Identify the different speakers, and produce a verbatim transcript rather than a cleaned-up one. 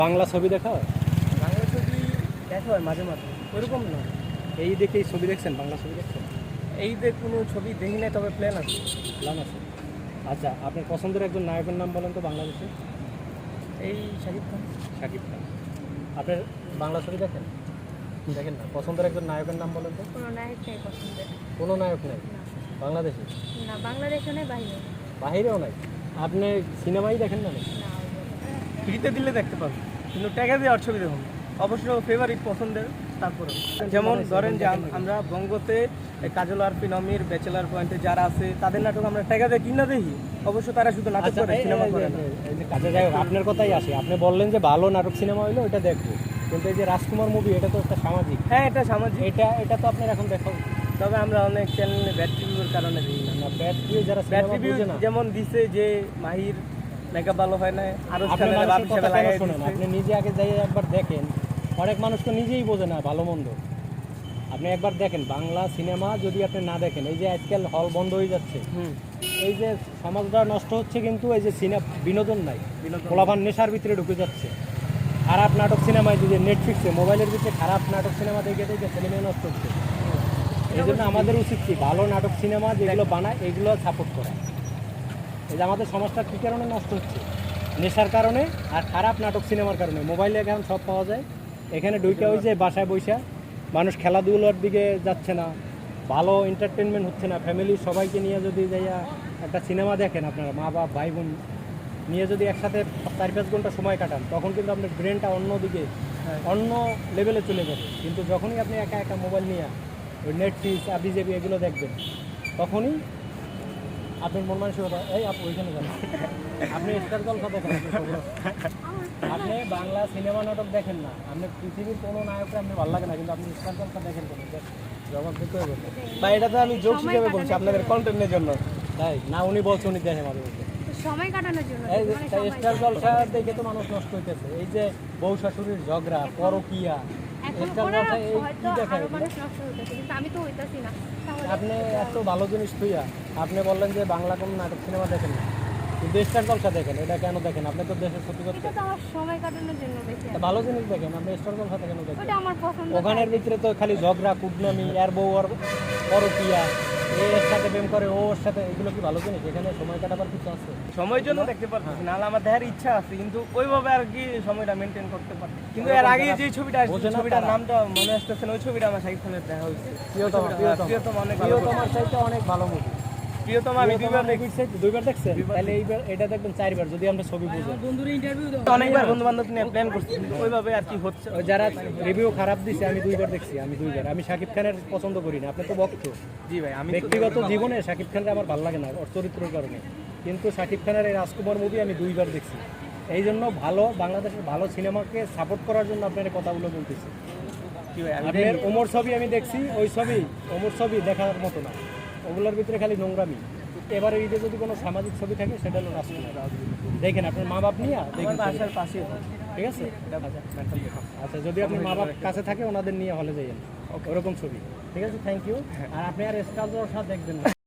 Speaker 1: বাংলা ছবি দেখা হয়?
Speaker 2: বাংলা ছবি দেখা হয় মাঝে মাঝে, ওইরকম না।
Speaker 1: এই দেখেই ছবি দেখছেন, বাংলা ছবি দেখছেন?
Speaker 2: এই যে কোনো ছবি দেখি নাই, তবে প্ল্যান আছে।
Speaker 1: প্ল্যান আছে। আচ্ছা, আপনার পছন্দের একজন নায়কের নাম বলেন তো বাংলাদেশে।
Speaker 2: এই শাকিব খান।
Speaker 1: শাকিব খান। আপনার বাংলা ছবি দেখেন? দেখেন না। পছন্দের একজন নায়কের নাম বলেন তো।
Speaker 3: কোনো নায়ক নেই পছন্দের।
Speaker 1: কোনো নায়ক নেই
Speaker 3: না
Speaker 1: বাংলাদেশে?
Speaker 3: না, বাংলাদেশে নেই, বাইরে
Speaker 1: বাহিরেও নাই। আপনি সিনেমাই দেখেন না নাকি?
Speaker 3: না।
Speaker 2: ফ্রিতে দিলে দেখতে পাবেন, কিন্তু টাকা দিয়ে আর ছবি দেখুন। অবশ্য ফেভারিট পছন্দের। তারপরে যেমন ধরেন যে আম- আমরা বঙ্গতে এই কাজল আর ফিনমির ব্যাচেলার পয়েন্টে যারা আছে তাদের নাটক আমরা টাকা দিয়ে কিনা দেখি। অবশ্য তারা শুধু নাটক
Speaker 1: আচ্ছা,
Speaker 2: করে,
Speaker 1: এই-
Speaker 2: সিনেমা
Speaker 1: এই-
Speaker 2: করে
Speaker 1: এই-
Speaker 2: না।
Speaker 1: এই- এই যে কাজে যাই হোক, আপনার কথাই আসে। আপনি বললেন যে ভালো নাটক সিনেমা হইলো ওইটা দেখবো, কিন্তু এই যে রাজকুমার মুভি, এটা তো একটা সামাজিক।
Speaker 2: হ্যাঁ, এটা সামাজিক।
Speaker 1: এটা এটা তো আপনার এখন দেখা উচিত।
Speaker 2: তবে আমরা অনেক চ্যানেলে ব্যাড রিভিউর কারণে দিই না।
Speaker 1: না, ব্যাড রিভিউ যারা
Speaker 2: ব্যাড
Speaker 1: সিনেমা
Speaker 2: রিভিউ
Speaker 1: বুঝে না।
Speaker 2: যেমন দিছে যে মাহির মেকআপ ভালো হয় না, আরো
Speaker 1: আপনি
Speaker 2: চ্যানেলে
Speaker 1: মানুষের
Speaker 2: বাপ
Speaker 1: কথা
Speaker 2: হিসেবে
Speaker 1: কেন
Speaker 2: লাগাই
Speaker 1: শোনেন?
Speaker 2: দিচ্ছে।
Speaker 1: আপনি নিজে আগে যাই একবার দেখেন। অনেক মানুষ তো নিজেই বোঝে না ভালো মন্দ। আপনি একবার দেখেন বাংলা সিনেমা, যদি আপনি না দেখেন, এই যে আজকাল হল বন্ধ হয়ে যাচ্ছে,
Speaker 2: হুম,
Speaker 1: এই যে সমাজটা নষ্ট হচ্ছে, কিন্তু এই যে সিনেমা বিনোদন নাই,
Speaker 2: বিনোদন।
Speaker 1: পোলাপান নেশার ভিতরে ঢুকে যাচ্ছে। খারাপ নাটক সিনেমায় যদি নেটফ্লিক্সে মোবাইলের ভিতরে খারাপ নাটক সিনেমা দেখে দেখে ছেলে নষ্ট হচ্ছে। এই জন্য আমাদের উচিত কি, ভালো নাটক সিনেমা যেগুলো বানায় এগুলো সাপোর্ট করা। এই যে আমাদের সমাজটা কী কারণে নষ্ট হচ্ছে? নেশার কারণে আর খারাপ নাটক সিনেমার কারণে। মোবাইলে এখন সব পাওয়া যায়, এখানে ঢুকে ওই যে বাসায় বৈশা মানুষ খেলাধুলার দিকে যাচ্ছে না, ভালো এন্টারটেনমেন্ট হচ্ছে না। ফ্যামিলির সবাইকে নিয়ে যদি যাইয়া একটা সিনেমা দেখেন, আপনারা মা বাপ ভাই বোন নিয়ে যদি একসাথে চার পাঁচ ঘন্টা সময় কাটান, তখন কিন্তু আপনার ব্রেনটা অন্য দিকে অন্য লেভেলে চলে যাবে। কিন্তু যখনই আপনি একা একা মোবাইল নিয়ে ওই নেটফ্লিক্স আবি জেবি এগুলো দেখবেন, তখনই আপনার মন মানসিকতা, এই আপু ওইখানে যান, আপনি স্টার জলসা দেখেন, আপনি খবর আছে। আপনি বাংলা সিনেমা নাটক দেখেন না, আপনি পৃথিবীর কোনো নায়ককে আপনার ভালো লাগে না, কিন্তু আপনি স্টার জলসা দেখেন কেন? জবাব দিতে হবে।
Speaker 2: বা এটা তো আমি জোক হিসেবে বলছি আপনাদের কন্টেন্টের জন্য।
Speaker 1: তাই না, উনি বলছে উনি দেখে মাঝে মধ্যে।
Speaker 3: সময় কাটানোর জন্য
Speaker 1: এই যে
Speaker 3: মানে সময়-
Speaker 1: স্টার জলসা দেখে তো মানুষ নষ্ট হইতেছে। এই যে বউ শাশুড়ির ঝগড়া, পরকিয়া,
Speaker 3: এখন
Speaker 1: স্টার
Speaker 3: ওনারা
Speaker 1: জলসা এই
Speaker 3: হয়তো
Speaker 1: কি দেখায়?
Speaker 3: আরো মানুষ নষ্ট হইতেছে, কিন্তু আমি তো হইতাছি না। তাহলে
Speaker 1: আপনি এত ভালো জিনিস থুইয়া আপনি বললেন যে বাংলা কোনো নাটক সিনেমা দেখেন না, কিন্তু স্টার জলসা দেখেন। এটা কেন দেখেন? আপনি তো দেশের ক্ষতি করতে।
Speaker 3: এটা তো আমার সময় কাটানোর জন্য বেশি।
Speaker 1: তা ভালো জিনিস দেখেন, আপনি স্টার জলসা কেন দেখেন?
Speaker 3: ওটা আমার পছন্দ।
Speaker 1: ওখানের ভিতরে তো খালি ঝগড়া, কুটনামি, এর বউ আর পরকিয়া, এর সাথে প্রেম করে, ওর সাথে, এগুলো কি ভালো জিনিস? এখানে সময় কাটাবার কিছু আছে?
Speaker 2: সময়ের জন্য দেখতে পারতেছি, নাহলে আমার দেখার ইচ্ছা আছে, কিন্তু ওইভাবে আর কি সময়টা মেনটেন করতে পারছি। কিন্তু এর আগে যে ছবিটা আসছে,
Speaker 1: বোঝে না
Speaker 2: ছবিটার
Speaker 1: তারা।
Speaker 2: নামটা মনে আসতেছে না, ওই ছবিটা আমার শাকিব খানের দেখা হয়েছে।
Speaker 1: প্রিয়তমা, প্রিয়তমা।
Speaker 2: প্রিয়তমা অনেক ভালো।
Speaker 1: প্রিয়তমার চাইতে অনেক ভালো মুভি।
Speaker 2: প্রিয়তমা আমি দুইবার দেখি।
Speaker 1: দুইবার দেখছেন?
Speaker 2: দুইবার
Speaker 1: তাহলে এইবার এটা দেখবেন চারবার, যদি আমরা ছবি বুঝেন।
Speaker 2: অনেকবার বন্ধু বান্ধব নিয়ে প্ল্যান করছি, কিন্তু ওইভাবে আর কি হচ্ছে।
Speaker 1: ওই যারা রিভিউ খারাপ দিছে, আমি দুইবার দেখছি, আমি দুইবার। আমি শাকিব খানের পছন্দ করি না, আপনি তো ভক্ত।
Speaker 2: জি ভাই, আমি
Speaker 1: ব্যক্তিগত জীবনে শাকিব খানকে আমার ভালো লাগে না ওর চরিত্রের কারণে, কিন্তু শাকিব খানের এই রাজকুমার মুভি আমি দুইবার দেখছি। এই জন্য ভালো বাংলাদেশের ভালো সিনেমাকে সাপোর্ট করার জন্য আপনার এই কথাগুলো বলতেছি।
Speaker 2: কি ভাই, আমি
Speaker 1: আপনার ওমর ছবি আমি দেখছি, ওই ছবি ওমর ছবি দেখার মতো না, ওগুলোর ভিতরে খালি নোংরামি। এবারে ঈদে যদি কোনো সামাজিক ছবি থাকে, সেটা হলো রাজকুমার। দেখেন আপনার মা বাপ নিয়ে
Speaker 2: আমার
Speaker 1: দেখেন,
Speaker 2: বাসার পাশে।
Speaker 1: ঠিক আছে? আচ্ছা, যদি আপনি মা বাপ কাছে থাকে, ওনাদের নিয়ে হলে যাইয়েন, ওরকম ছবি। ঠিক আছে, থ্যাংক ইউ। আর আপনি আর স্টার জলসা দেখবেন না।